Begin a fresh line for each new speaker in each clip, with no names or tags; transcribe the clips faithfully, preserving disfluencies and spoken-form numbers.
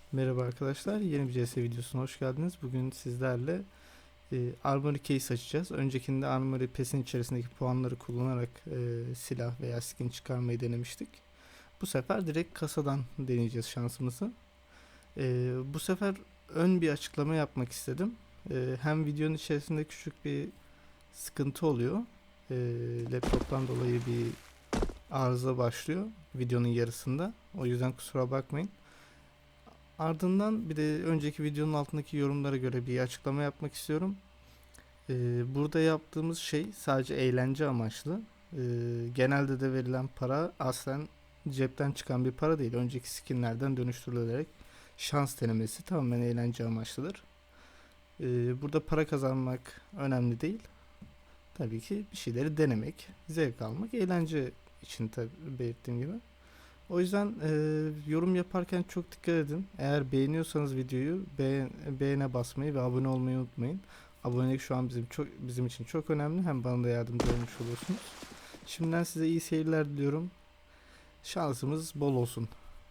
Merhaba arkadaşlar, yeni bir C S videosuna hoş geldiniz. Bugün sizlerle e, Armory Case açacağız. Öncekinde Armory Pass'in içerisindeki puanları kullanarak e, silah veya skin çıkarmayı denemiştik. Bu sefer direkt kasadan deneyeceğiz şansımızı. E, bu sefer ön bir açıklama yapmak istedim. E, hem videonun içerisinde küçük bir sıkıntı oluyor. E, laptoptan dolayı bir arıza başlıyor videonun yarısında. O yüzden kusura bakmayın. Ardından bir de önceki videonun altındaki yorumlara göre bir açıklama yapmak istiyorum. Ee, burada yaptığımız şey sadece eğlence amaçlı. Ee, genelde de verilen para aslen cepten çıkan bir para değil. Önceki skinlerden dönüştürülerek şans denemesi tamamen eğlence amaçlıdır. Ee, burada para kazanmak önemli değil. Tabii ki bir şeyleri denemek, zevk almak, eğlence için tabii belirttiğim gibi. O yüzden e, yorum yaparken çok dikkat edin. Eğer beğeniyorsanız videoyu beğen, beğene basmayı ve abone olmayı unutmayın. Abonelik şu an bizim çok bizim için çok önemli. Hem bana da yardımcı olmuş olursunuz. Şimdiden size iyi seyirler diliyorum. Şansımız bol olsun.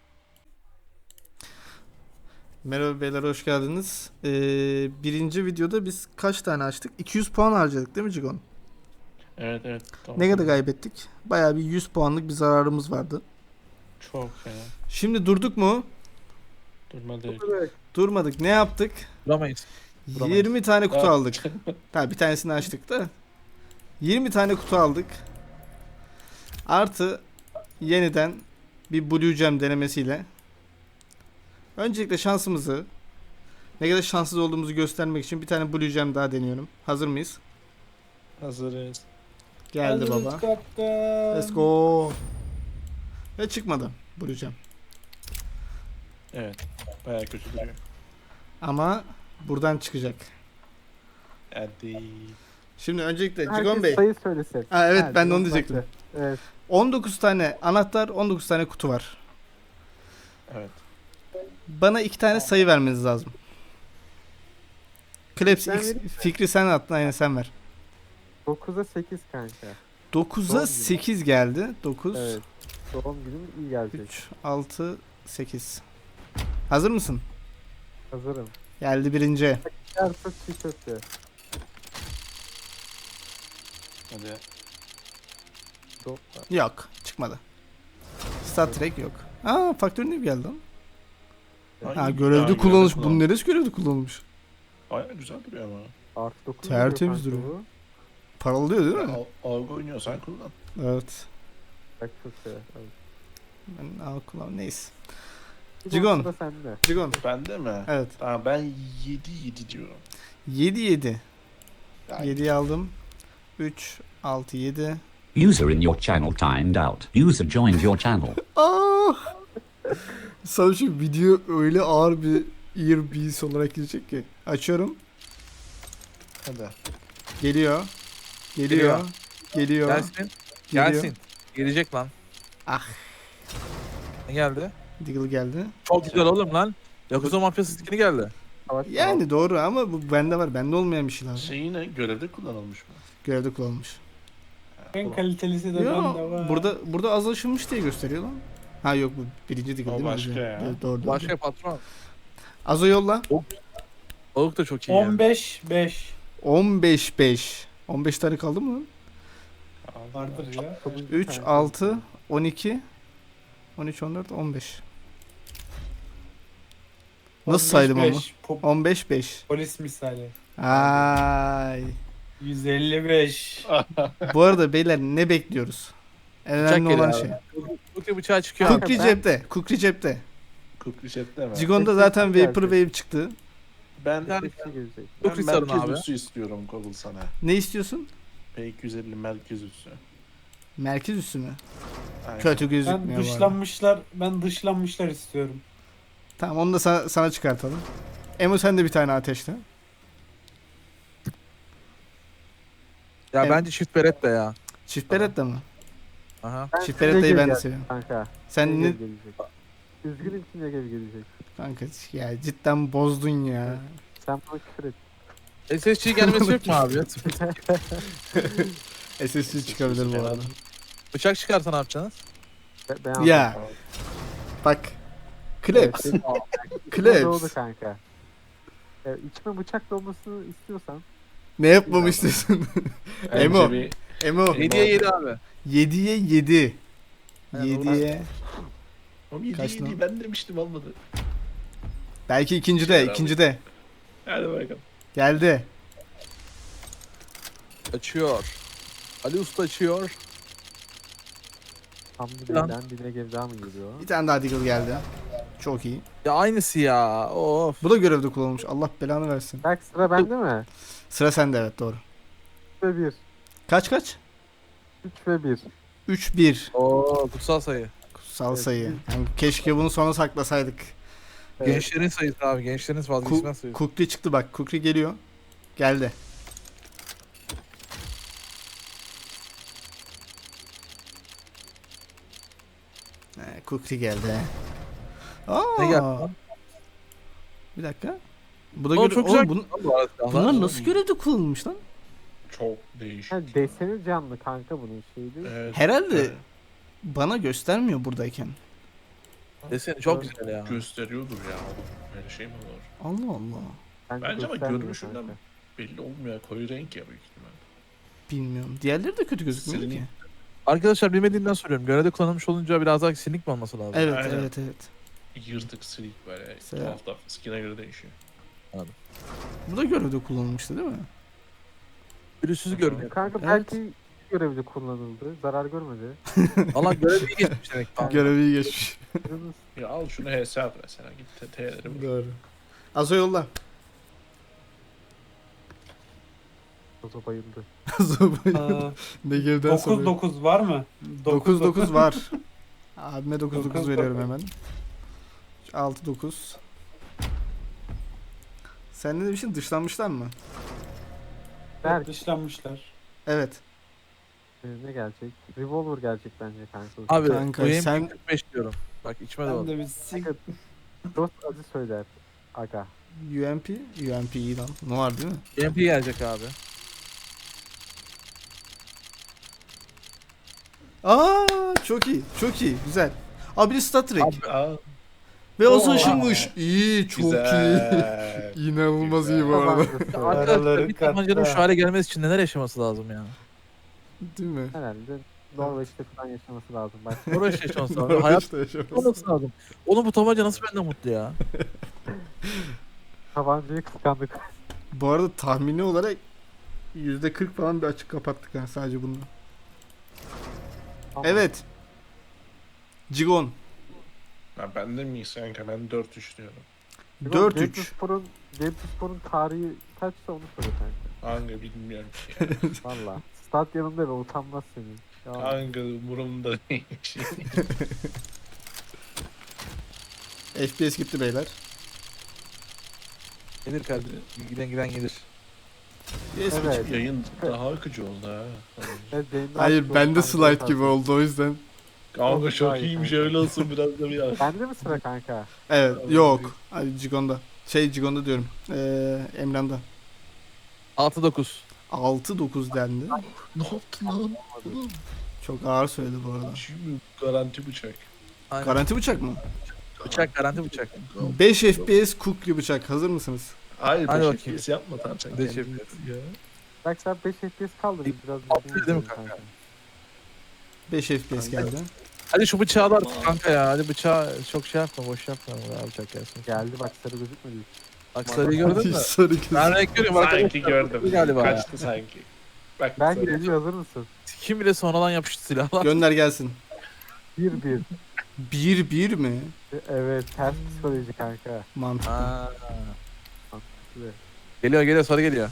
Merhaba beyler, hoş geldiniz. Ee, birinci videoda biz kaç tane açtık? iki yüz puan harcadık değil mi Cigon?
Evet evet. Tamam.
Ne kadar kaybettik? Bayağı bir yüz puanlık bir zararımız vardı.
Çok fena.
Şimdi durduk mu?
Durmadı.
Durmadık. Ne yaptık?
Duramayız. Duramayız.
yirmi tane kutu
Ya.
aldık. Tabii bir tanesini açtık da. yirmi tane kutu aldık. Artı yeniden bir Blue Gem denemesiyle. Öncelikle şansımızı, ne kadar şanssız olduğumuzu göstermek için bir tane Blue Gem daha deniyorum. Hazır mıyız?
Hazırız.
Geldi
Hazırız
baba.
kaptan.
Let's go. Ve çıkmadı Blue Gem.
Evet. Bayağı kötü duruyor.
Ama buradan çıkacak.
Hadi.
Şimdi öncelikle
Herkes
Cigon Bey.
sayı söylesin.
Ha, evet
Ha,
ben de onu
Cigon
diyecektim.
baktı. Evet.
on dokuz tane anahtar, on dokuz tane kutu var.
Evet.
Bana iki tane sayı vermeniz lazım. Kleps
Ben
X
vereyim mi?
fikri sen attın, aynen sen ver.
dokuza sekiz kanka.
dokuza
Doğum günü.
sekiz geldi. dokuz,
Evet. Doğum günüm iyi gelecek.
üç, altı, sekiz. Hazır mısın?
Hazırım.
Geldi birinci.
Yarısı çiğ köfte.
Hadi.
Çok
Yok, çıkmadı. Star Trek yok. Aa, Faktör ne geldi lan?
Ay,
Ha,
ya,
görevde kullanılmış.
kullan-
Bunun neresi görevde kullanılmış?
Bayağı güzel duruyor ama.
artı dokuz.
Tertemiz
duruyor
duruyor.
kanka
Paralıyor değil mi?
Al, algı oynuyorsan kullan.
Evet.
bu. Bak köfte. Evet.
Ben al kullan neyse.
Bir
Cigon.
noktada sende.
Cigon.
Bende mi?
Evet.
Tamam ben yedi yedi diyorum.
yedi yedi.
Yani
yediyi aldım. üç, altı, yedi.
User in your channel timed out. User joined your channel.
Ah! Sana şu video öyle ağır bir ear beats olarak gelecek ki. Açıyorum.
hadi.
Geliyor. Geliyor. Geliyor.
Gelsin.
Geliyor.
Gelsin. Gelecek lan.
Ah.
Ne geldi?
Deagle geldi.
Çok güzel oğlum lan. Yakuza mafyası skini geldi.
Savaş
Yani doğru ama bu bende var. Bende olmayan bir şey lazım.
Şey yine görevde kullanılmış mı?
Görevde kullanılmış.
En kalitelisi de
Yo,
bende var.
burada burada az aşınmış diye gösteriyor lan. Ha yok, bu birinci Deagle
O
değil mi?
başka ya.
Evet, doğru, doğru.
Başka patron.
Azo yolla.
Balık da çok iyi yani.
on beş beş
on beş beş. on beş tane kaldı mı?
vardır ya.
Sonuncu
üç,
kanka.
altı, on iki, on üç, on dört, on beş. Nasıl saydım ama?
Pop,
on beş beş.
polis misali.
Ay.
yüz elli beş.
Bu arada beyler ne bekliyoruz? En
Bıçak
önemli olan
geliyor
şey.
Kukri bıçağı çıkıyor.
Kanka,
Kukri
ben-
cepte. Kukri cepte.
Kukri Chat'te mi?
Cigon'da
Sekiz
zaten
geldi.
Vapor Wave çıktı.
Ben,
Yani-
Bir şey gelecek.
ben
Kukri sarın
merkez
abi.
üssü istiyorum Kobul sana.
Ne istiyorsun?
P iki yüz elli merkez üssü.
Merkez üssü mü?
Aynen.
Kötü gözükmüyor
Ben
bu arada.
dışlanmışlar, ben dışlanmışlar istiyorum.
Tamam, onu da sana, sana çıkartalım. Emo sen de bir tane ateşle.
Ya
Evet.
bence çift beret de ya.
Çift beretta mı?
Aha.
Ben
Çift
size
berettayı ben de
geleceğim
seviyorum.
Kanka.
Sen ne...
Negev gelecek. Üzgünüm ki Negev gelecek.
Kanka ya cidden bozdun ya.
Sen bana küfür et.
S S G gelmesi yok mu abi?
S S C çıkabilir bu arada.
Bıçak çıkarsa ne yapacaksınız?
Ben, ben
Ya bak. Kleps.
Evet,
Kleps.
Doğdu kanka. E, içime bıçak dolmasını istiyorsan
Ne yapmamı istiyorsun?
Bence
Emo.
bir
Emo.
yediye yedi abi.
yediye yedi.
Yani
yediye.
Oğlum yedi
Kaç
yedi
lan?
ben demiştim olmadı.
Belki ikinci de, ikinci de.
Hadi bakalım.
Geldi.
Açıyor. Ali Usta açıyor.
tam bir
Lan.
birden bir negev daha mı geliyor?
Bir tane daha Deagle geldi. Çok iyi.
Ya aynısı ya. Of.
Bu da görevde kullanılmış. Allah belanı versin.
Bak sıra bende mi?
Sıra sende, evet, doğru.
üç ve bir.
Kaç kaç?
üç ve bir.
üç bir.
Oo kutsal sayı.
Kutsal
Evet,
sayı.
biz-
Yani keşke bunu sona saklasaydık.
Evet.
Gençlerin sayısı abi. Gençlerin vazgeçilmez
Ku-
sayısı.
Kukri çıktı bak. Kukri geliyor. Geldi. He, Kukri geldi. Aa,
Ne geldi lan?
Bir dakika. Bu da
O
göre-
çok
Oğlum
güzel.
bun-
Bu arada silahlar.
bunlar nasıl görevde kullanılmış lan?
Çok değişik.
Ha, deseni canlı kanka bunun şeydi.
Evet.
Herhalde
Evet.
bana göstermiyor buradayken.
Deseni çok güzel ya.
Gösteriyordur ya. Öyle şey mi olur?
Allah Allah.
Bence ama
göstermiyor
görünüşünden
kanka.
belli olmuyor. Koyu renk ya büyük ihtimal.
Bilmiyorum. Diğerleri de kötü gözükmüyor
Silini-
ki.
Arkadaşlar bilmediğimden soruyorum. Görevde kullanılmış olunca biraz daha sinik mi olması lazım?
Evet,
Aynen.
evet, evet.
Yırtık, silik böyle.
Mesela-
Tuhaf tuhaf. Skin'e göre değişiyor.
Bu da görevde kullanılmıştı değil mi?
Pürüzsüz görünüyor.
Kanka
Evet.
belki görevde kullanıldı. Zarar görmedi.
Allah görevi iyi geçmiş demek. Tamam.
Görevi iyi geçmiş.
Yalnız
Ya al şunu H S at mesela. Git T- T'leri vur.
Doğru. Azo yolla.
Ozo bayıldı.
Azo
Aa,
Negev'den
dokuz
sonra.
dokuz var mı?
dokuz dokuz var. Abime dokuz dokuz
dokuz
veriyorum
dokuz.
hemen. altı dokuz. Sen ne demiştin? Dışlanmışlar mı?
Berk
Dışlanmışlar.
Evet.
e, ne gelecek? Revolver gelecek bence kanka.
Abi
Kanka,
bu yayın
sen-
kırk beş diyorum. Bak içime
Ben
doğdu.
de bir sik...
Kanka, Dost adı söyler. Aga.
U M P? U M P iyi lan. Ne var değil mi?
M P gelecek abi.
Aa, çok iyi. Çok iyi. Güzel. Abi bir Star Trek.
Abi,
Aa,
Ve o
Oo.
ışınmış. İyi. Çok iyi.
güzel.
İnanılmaz iyi
Güzel.
bu arada.
Tabancası söyler.
Araları
Arkadaşlar bir tabancanın
katta.
şu hale gelmesi için neler yaşaması lazım ya?
Değil mi?
Herhalde Norveç'te falan yaşaması lazım. Bak.
Uğraş yaşaması lazım. Hayat
Norveç'te yaşaması.
olması lazım. Oğlum bu tabanca nasıl benden mutlu ya?
Tabancayı kıskandık.
Bu arada tahmini olarak yüzde kırk falan bir açık kapattık ha sadece bununla.
Ama
Evet. Cigon.
Ha, ben de miyiz kanka? Ben dört üç diyorum.
Bizim
dört üç.
Gençspor'un Gençspor'un tarihi kaçsa onu söyle kanka.
Hangi bilmiyorum ki. Ya.
Valla. Stat yanında ve utanmaz senin. Ya,
Hangi umurumda değilmiş.
F P S gitti beyler.
Gelir kardeşim. Giden giden gelir.
Yes,
Evet.
Yayın daha akıcı oldu ha.
evet, yayında
Hayır
artık
bende
doksan
slide
tane
gibi oldu o yüzden.
Kanka çok
Hayır,
iyiymiş
kanka.
öyle olsun biraz da bir ya.
Bende mi sıra kanka?
Evet
Abi,
yok. Hadi Cigon'da. Şey Cigon'da diyorum. Ee, Emran'da.
altı dokuz.
altı dokuz dendi.
Ne yaptın lan? Oğlum,
Çok ağır söyledi bu arada.
Şimdi garanti bıçak.
Aynen.
Garanti bıçak mı?
Bıçak garanti bıçak.
beş F P S Kukri bıçak. Hazır mısınız?
Hayır
Hadi
beş
bakayım.
F P S yapma tamam sen.
beş
kendin
F P
yap ya.
Bak sen beş F P S kaldı biz biraz
Altı
düzgün
değil mi
gidelim
kanka?
beş F P S geldi.
Hadi şu bıçağı da artık kanka ya. Hadi bıçağı çok şey yapma. Boş yapma. Ya bıçak gelsin.
Geldi bak sarı gözükmedi.
Bak sarıyı gördün mü?
Sarı göz.
Ben renk görüyorum.
Sanki
Arkadaşlar,
gördüm.
Galiba ya.
Kaçtı sanki. Bak
Ben
sarı.
geliyor hazır mısın?
Kim bile sonradan yapıştı silahlar.
Gönder gelsin.
bir bir.
bir bir mi?
Evet ters psikoloji kanka.
Mantıklı.
Aa.
Evet.
Geliyor geliyor sarı geliyor.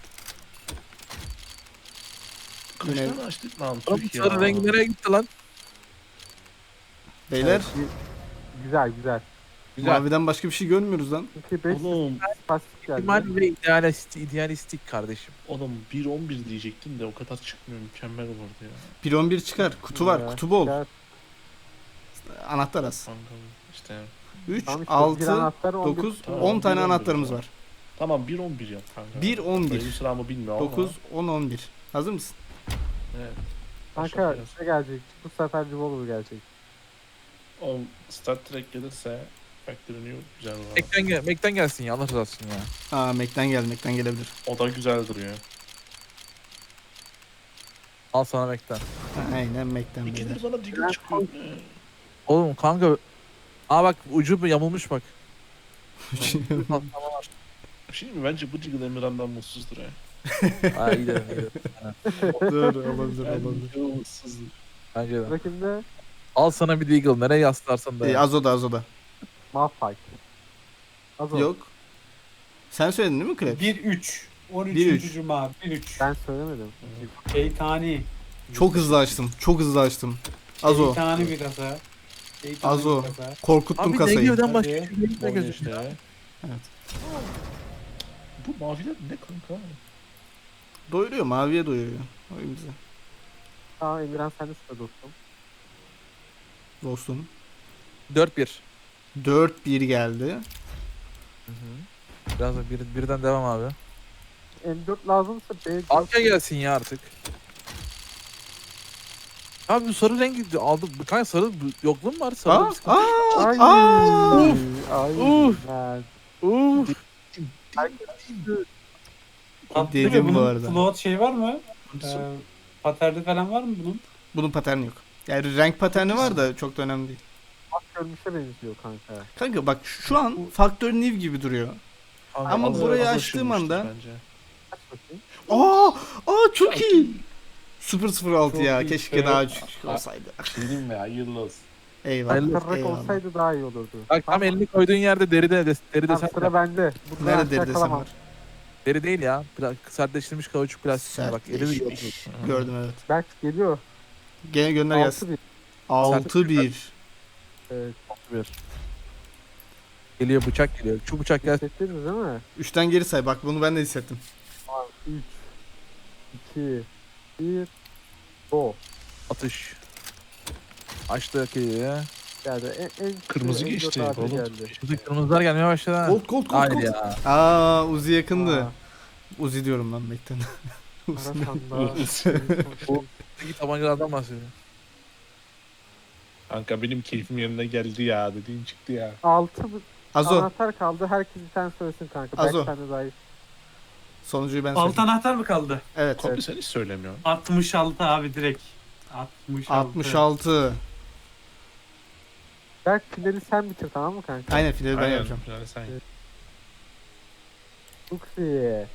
Kaç
Yine-
tane açtık lan
Oğlum
Türk ya.
sarı rengi nereye gitti lan?
Beyler
Evet, bir- Güzel güzel.
Güzel.
maviden başka bir şey görmüyoruz lan.
Çünkü beş
Oğlum,
pasif geldi.
İhtimal ve idealistik, idealistik kardeşim.
oğlum bir on bir diyecektim de o kadar çıkmıyor mükemmel olurdu ya.
bir on bir çıkar. Kutu var.
Ya,
Kutu bol.
çıkar.
Anahtar az.
Kankam işte.
üç,
Tamam işte, bir
altı,
anahtar, on bir
dokuz,
kutu.
Tamam,
on tane
bir on bir
anahtarımız
o
var.
Tamam bir on bir yap kanka.
bir on bir.
Sayı sıramı bilmiyorum ama.
dokuz, on, on bir. Hazır mısın?
Evet.
Kanka
Başla
ne gelecek? Bu sefer Revolver gelecek.
O Star Trek gelirse Factory New güzel var.
Mac'ten, gel Mac'ten gelsin ya. Allah razı olsun ya.
Aa Mac'ten geldi. Mac'ten gelebilir.
O da güzel duruyor.
Al sana Mac'ten.
Ha, aynen Mac'ten
İkidir
beyler.
sana Deagle çıkıyor. Ne?
Oğlum kanka. Aa bak ucu bir yamulmuş bak.
Bir şey mi? Bence bu Deagle Emirhan'dan mutsuzdur ya.
Aa iyi dedim iyi dedim.
Doğru olabilir
Bence
olabilir.
o mutsuzdur.
Bence de.
Rakimde
Al sana bir Deagle. Nereye yaslarsan da.
Ee, Azo'da Azo'da.
Malphite. Azo.
Yok. Sen söyledin değil mi Krebs?
bir üç. on
Bir üç.
üçüncü Cuma. bir üç.
Ben söylemedim.
Şeytani.
Çok hızlı açtım. Çok hızlı açtım. Azo.
Şeytani bir kasa. Şeytani
Azo.
bir kasa.
Korkuttun
Abi
kasayı.
Negev'den başka
Hadi.
hiçbir şey
Oyna
gözükmüyor.
işte ya.
Evet.
Bu maviler ne kanka?
Doyuruyor. Maviye doyuruyor. Oyun bize.
Aa Emirhan sen de sıra dostum.
Dostum.
dört bir.
dört bir geldi.
Biraz da bir, birden devam abi.
M dört lazımsa B dört.
Arka gelsin ya artık. Abi bu sarı rengi aldım. Kanka sarı bu- yokluğum mu var? Sarı
Aa,
bir sıkıntı.
aa,
Ay.
aa.
Ay.
Uf.
Ben.
Uf.
Tatlı
Dedim
ve
bu
bunun
arada.
Float şey var mı? Ee, paterni falan var mı bunun?
Bunun paterni yok. Yani renk paterni var da çok da önemli değil.
Bak görmüşe benziyor kanka.
Kanka bak şu an Faktör New gibi duruyor.
Abi,
Ama
az-
burayı
Az
açtığım
aşılmıştır
anda-
bence.
Aç bakayım.
Aa, aa çok iyi. sıfır sıfır altı
Çok
ya.
iyi.
Keşke
Evet.
daha küçük olsaydı.
Dedim mi? Hayırlı olsun.
Eyvallah.
Hayırlı
Aktarrak
eyvallah.
olsaydı daha iyi olurdu.
Bak tam elini koyduğun yerde deri de deri
Tamam,
desen
sıra bende. Bu
Nerede
kadar
deri desem
yakalamam.
var?
deri değil ya. Pla sertleştirilmiş kauçuk plastik. Bak eli de
Sertleşmiş.
gördüm.
Gördüm evet.
Berk geliyor.
Gene gönder gelsin.
altı bir.
altı bir.
Evet.
Bir. Geliyor bıçak geliyor. Şu bıçak gelsin.
Hissettiniz değil mi?
üçten geri say. Bak bunu ben de hissettim.
üç, iki, bir, go.
Atış. Açtı ki.
Geldi. En, en
Kırmızı
en
geçti,
dört abi
oğlum.
geldi.
Şimdi kırmızılar gelmeye başladı ha.
Gold gold gold
Hayır
gold.
ya.
Aa Uzi yakındı.
Aa,
Uzi diyorum lan Bekten.
Arasanda.
Buradaki tabancalardan bahsediyorum.
Kanka benim keyfim yerine geldi ya. Dediğin çıktı ya.
altı
Azo.
anahtar kaldı. Herkes bir tane söylesin kanka.
Azo.
Berk sen de dahil.
Sonuncuyu ben
Alt
söyleyeyim.
anahtar mı kaldı?
Evet.
Kopya sen hiç söylemiyorsun.
altmış altı abi direkt. altmış altı.
altmış altı.
Berk finali sen bitir tamam mı kanka?
Aynen finali ben
Aynen.
yapacağım.
Yani sen.
Evet. Luxi.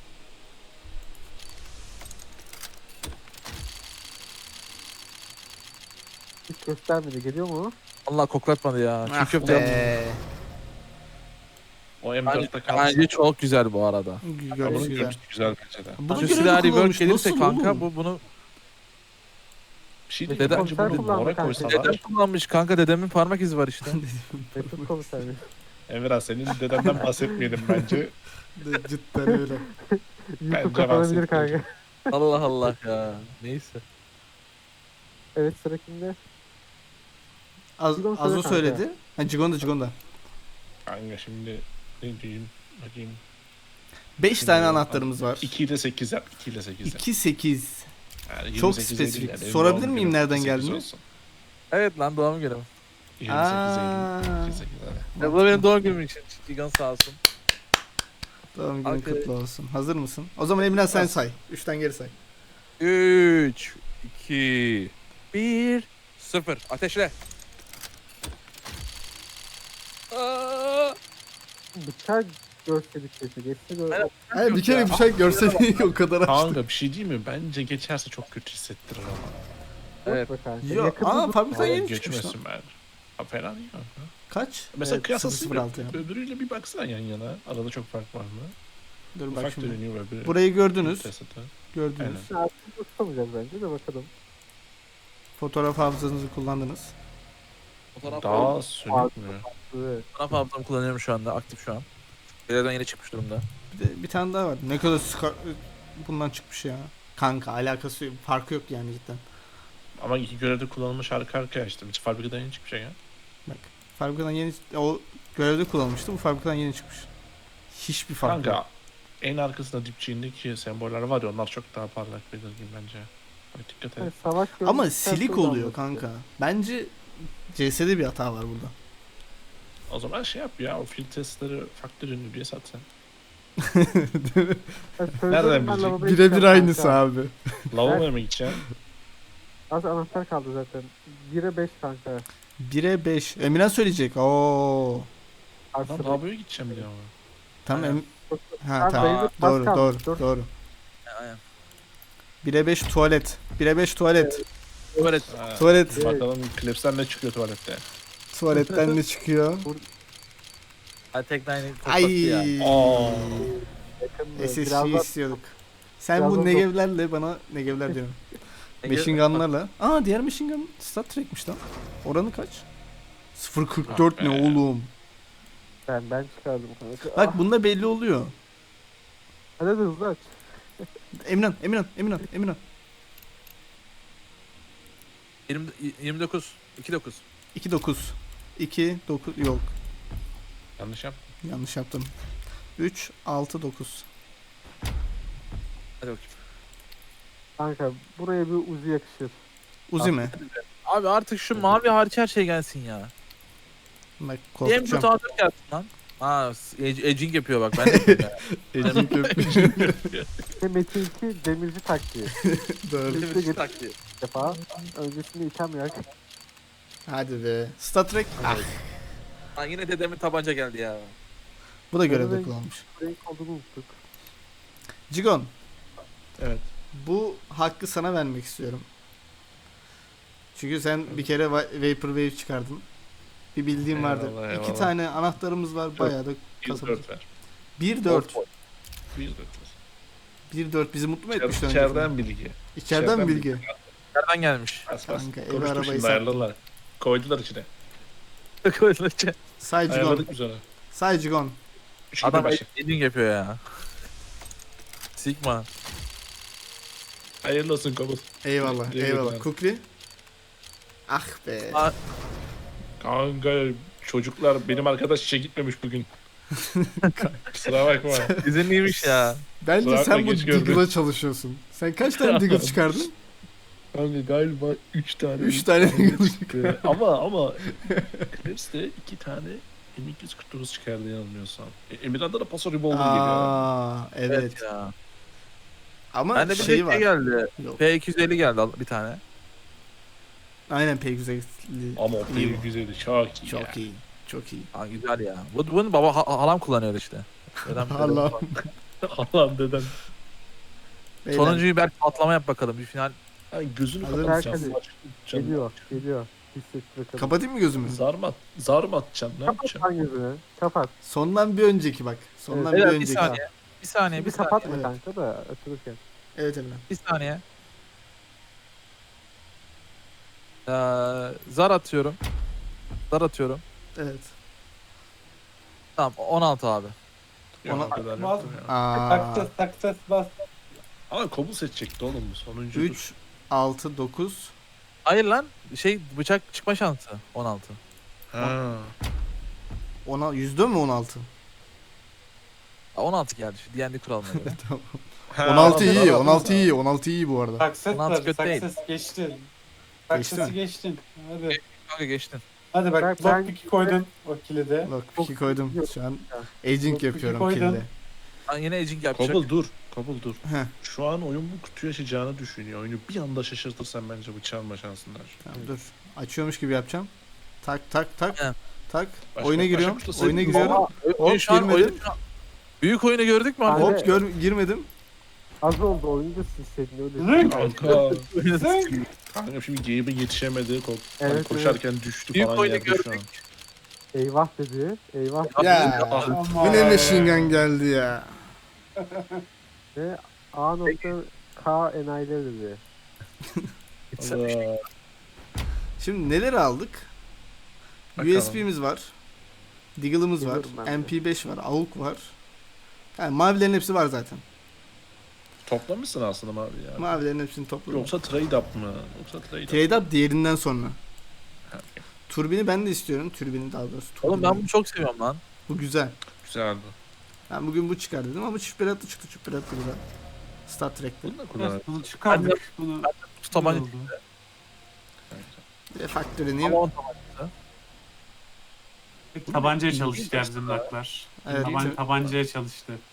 Hiç göstermedi. Geliyor mu?
Allah koklatmadı ya. Çiğ
Ah
köfte yaptı.
be.
O M
Bence,
dörtte kalsın.
bence çok güzel bu arada.
Ama
Görüş
bunun
güzel.
görüntüsü güzel bence de.
Buna
Şu
göre de
silahı rework
kullanmış.
gelirse
Nasıl
kanka
oğlum?
bu bunu
Bir şey
Dede-
değil mi? Bence
Komiser
bunu
kullandı
mora
kanka.
koysalar.
dedem kullanmış kanka dedemin parmak izi var işte.
Mesut komiserim.
Emirhan senin dedenden bahsetmeyelim bence.
Cidden öyle.
YouTube
Bence
kapanabilir
bahsettim.
kanka.
Allah Allah ya. Neyse.
Evet sıra kimde?
Az,
Cigon söyle
Azo
kanka.
söyledi. Ha Cigon'da Cigon'da.
Kanka şimdi ne diyeyim? Bakayım.
beş
Şimdi
tane anahtarımız var.
iki ile sekiz yap. iki ile sekiz yap.
iki sekiz.
Yani
Çok
yirmi sekize
spesifik.
değil yani.
Sorabilir
Doğum
miyim
günü
nereden
sekiz
geldiğini?
olsun.
Evet lan doğum günüm.
yirmi sekize
Aa.
Eylül. iki sekiz hadi.
Ya bu da benim doğum günüm için. Gigan sağ olsun.
Doğum günün
Okey.
kutlu olsun. Hazır mısın? O zaman Emine sen say. üçten geri say.
üç, iki, bir, sıfır. Ateşle. Aa!
Bıçak görseydik keşke. Geçse de
Aynen.
Hayır bir kere bir şey görseydik o kadar açtı.
Kanka bir şey değil mi? Bence geçerse çok kötü hissettirir ama.
Evet.
yok be kanka.
Yok.
Yakında
Aa
dur-
fabrikadan
Hayır,
yeni çıkmış lan.
geçmesin ben. Ha, fena değil kanka.
Kaç?
Mesela
Evet,
kıyaslasın
sıfır sıfır altı ya.
öbürüyle bir baksana yan yana. Arada çok fark var mı?
Dur bak
Ufak
şimdi.
dönüyor öbürü.
Burayı gördünüz.
Tesete.
Gördünüz.
Aynen.
Artık tutamayacağız bence de bakalım.
Fotoğraf hafızanızı kullandınız.
Fotoğraf,
Daha sönük mü?
Evet.
fotoğraf hafızamı kullanıyorum şu anda. Aktif şu an. Belediyeden yeni çıkmış durumda.
Bir de bir tane daha var. Ne kadar ska- bundan çıkmış ya. Kanka alakası yok. Farkı yok yani cidden.
Ama iki görevde kullanılmış arka arkaya işte. Hiç fabrikadan yeni çıkmış ya.
Bak. Fabrikadan yeni o görevde kullanılmıştı. Bu fabrikadan yeni çıkmış. Hiçbir fark yok.
Kanka en arkasında dipçiğindeki semboller var ya onlar çok daha parlak belirgin bence. Bak dikkat
Yani
et.
savaş
Ama
görmüşten
silik
sonra
oluyor
anlaşılıyor.
kanka. Bence C S'de bir hata var burada.
O zaman şey yap ya, o field testleri faktör ünlü diye sat sen.
Ben
Nereden
söylüyorum, ben
bilecek?
lavaboya
Birebir
gideceğim
aynısı
kanka.
abi.
Lavaboya mı gideceksin?
Az anahtar kaldı zaten. bire beş kanka.
bire beş. Emirhan söyleyecek. Oo.
Lan
Artı
lavaboya gideceğim diyor ama.
Tamam.
Aynen.
Em- ha
Abi,
tamam.
dayı-
Doğru
az
doğru
kaldı. Dur.
doğru.
Aynen.
bire beş tuvalet. bire beş tuvalet.
Evet.
Ha,
Tuvalet.
Bakalım klipsten ne çıkıyor tuvalette.
Tuvaletten ne çıkıyor?
Hadi tek nine patlattı
Ay.
ya.
Aa.
yakın.
S S G
Birazdan
istiyorduk. Sen
birazdan
bu
dok-
negevlerle bana negevler diyorum. Machine gunlarla. Aa diğer machine gun Star Trek'miş lan. Oranı kaç? sıfır virgül kırk dört ne
Ah be.
oğlum?
ben ben çıkardım kanka.
Bak bunda belli oluyor.
Hadi hadi hızlı aç.
Emirhan, Emirhan, Emirhan, Emirhan.
yirmi, yirmi dokuz. iki dokuz.
iki dokuz. iki dokuz yok.
Yanlış yap.
Yanlış yaptım. üç altı dokuz.
Hadi bakayım.
Kanka buraya bir Uzi yakışır.
Uzi mi?
Abi artık şu mavi hariç her şey gelsin ya.
Bak
M dört
korkacağım.
A dört gelsin lan. Aa, edge- edging yapıyor bak ben de yapıyorum ya.
Ecik öpmeyeceğim.
İşte Metin iki demirci taktiği.
Doğru.
Üste git bir defa. Öncesinde item yak.
Hadi be. Star Trek. Ah,
Lan yine dedemin tabanca geldi ya.
bu da görevde
Renk-
kullanmış.
Renk olduğunu unuttuk.
Cigon.
Evet.
Bu hakkı sana vermek istiyorum. Çünkü sen bir kere Va- Vaporwave çıkardın. Bir bildiğim vardı.
Eyvallah,
İki
eyvallah.
tane anahtarımız var. Bayağı da
Bir
kasabız.
dört ver.
bir dört.
Bir dört ver.
bir dört bizi mutlu mu
İçer-
etmişti
İçeriden bilgi.
İçeriden
içeriden
bilgi.
Nereden gelmiş?
Bas bas.
Kanka, evi
Konuştuk
arabayı
şimdi,
sattım.
ayarladılar. Koydular içine.
Say Cigon.
Ayarladık biz onu.
Say Cigon.
Üç gibi
Adam
başı.
edging yapıyor ya. Sigma.
Hayırlı olsun Kobul.
Eyvallah.
Teşekkür
eyvallah.
ederim.
Kukli. Ah be.
Aa,
Kanka çocuklar benim arkadaş işe gitmemiş bugün. Kusura bakma.
izinliymiş ya.
Bence
Kusura
sen
bakma,
bu
geç gördüm.
Diggle'a çalışıyorsun. Sen kaç tane Diggle çıkardın?
Kanka galiba üç tane.
üç tane Diggle
çıktı. ama ama hepsi iki tane M iki yüz kırk dokuz çıkardı yanılmıyorsam. E, Emirhan'da da Paso Revolver geliyor.
Aa, evet.
ya.
Ama
Bende bir
şey
şey
var.
geldi.
Yok.
P iki yüz elli geldi al- bir tane.
Aynen pek güzel.
Ama o
İyi
bir
bu.
güzeli çok iyi.
Çok
ya.
iyi. Çok iyi.
Aa, güzel ya. Bu, bunu baba ha- halam kullanıyor işte. Dedem- dedem-
Allah.
Allah'ım dedem.
Beyler,
Sonuncuyu belki patlama yap bakalım. Bir final.
Ay gözünü
Hazır
kapatacağım.
mısın?
Aç- canım.
Geliyor. Geliyor. Hisset bakalım.
kapatayım mı gözümü?
Zar mı, at, zar mı atacaksın? Ne
Kapat
yapacaksın?
lan gözünü. Kapat.
Sondan bir önceki bak. Sondan
Evet.
bir
Beyler, bir
önceki.
saniye. Bir saniye, bir
Bir
saniye.
kapatma
Evet.
kanka da açılırken.
Evet Emre.
Bir saniye. Ee, zar atıyorum. Zar atıyorum.
Evet.
Tamam on altı abi.
Yok,
Ona-
o kadar
Olmaz
yoktur
mı?
ya.
Aa,
Taktas taktas bas.
Ama Kobul seçecekti oğlum bu sonuncu.
üç, altı, dokuz.
Hayır lan. Şey bıçak çıkma şansı. on altı.
Ha.
Ona yüzde mi on altı?
Aa, on altı geldi. Şu D and D kuralına göre.
Tamam.
Ha,
on altı
anladım,
iyi,
anladım.
on altı iyi, on altı iyi bu arada.
Takset
Ulan
var.
kötü değil.
Takses geçtin.
Geçti
Taksesi
mi?
geçtin. Hadi.
Kanka geçtin.
Hadi bak
Ben- ben-
lockpick'i koydun o kilide.
Bak iki koydum.
Yok.
Şu an
Ya.
aging
Yok,
yapıyorum
koydun.
kilde.
Aa, yine edging yapacak.
Kobul dur. Kobul dur.
Heh,
Şu an oyun bu kutuyu açacağını düşünüyor. Oyunu bir anda şaşırtırsan bence bıçağın şansın var.
tamam dur. Açıyormuş gibi yapacağım. Tak tak tak.
He.
Tak.
Başka-
Oyuna
başka
giriyorum.
kuşla
Oyuna
sevdim.
giriyorum.
Aa, oyun
Hop,
şu an
girmedim.
oyun şu an- Büyük oyunu gördük mü?
Abi-
abi?
Hop gör girmedim.
Az oldu oyunda silseydin öyle.
Zınk.
Kanka.
Zınk.
Kanka şimdi Gabe'e yetişemedi. Ko-
Evet,
hani koşarken düştü
Büyük
falan
oyunu
yerde şu an.
gördük.
Eyvah dedi. Eyvah.
Ya.
Ama.
Yine machine gun geldi ya.
Ve A nokta K enayileri dedi.
Allah.
Şimdi neler aldık?
Bakalım.
U S B'miz var. Diggle'ımız var.
Biliyorum ben de.
M P beş var. A U K var. Yani mavilerin hepsi var zaten.
Toplamışsın aslında mavi ya.
Mavilerin hepsini topladım.
Yoksa trade up mı? Yoksa trade up.
Trade up diğerinden sonra.
Ha,
Turbini ben de istiyorum. Türbini daha doğrusu.
Oğlum
turbini.
ben bunu çok seviyorum lan.
Bu güzel.
Güzel bu.
Ben bugün bu çıkar dedim ama çift piratlı çıktı. Çift piratlı güzel. Star Trek'te.
Bunu da kullanalım.
Bunu çıkardık. Bunu.
Şu tabanca
oldu.
Bir de faktörünü
ama on tabanca.
Tabancaya
Bu ne?
çalıştı ya bizim laklar.
Evet.
Taban, tabancaya çalıştı.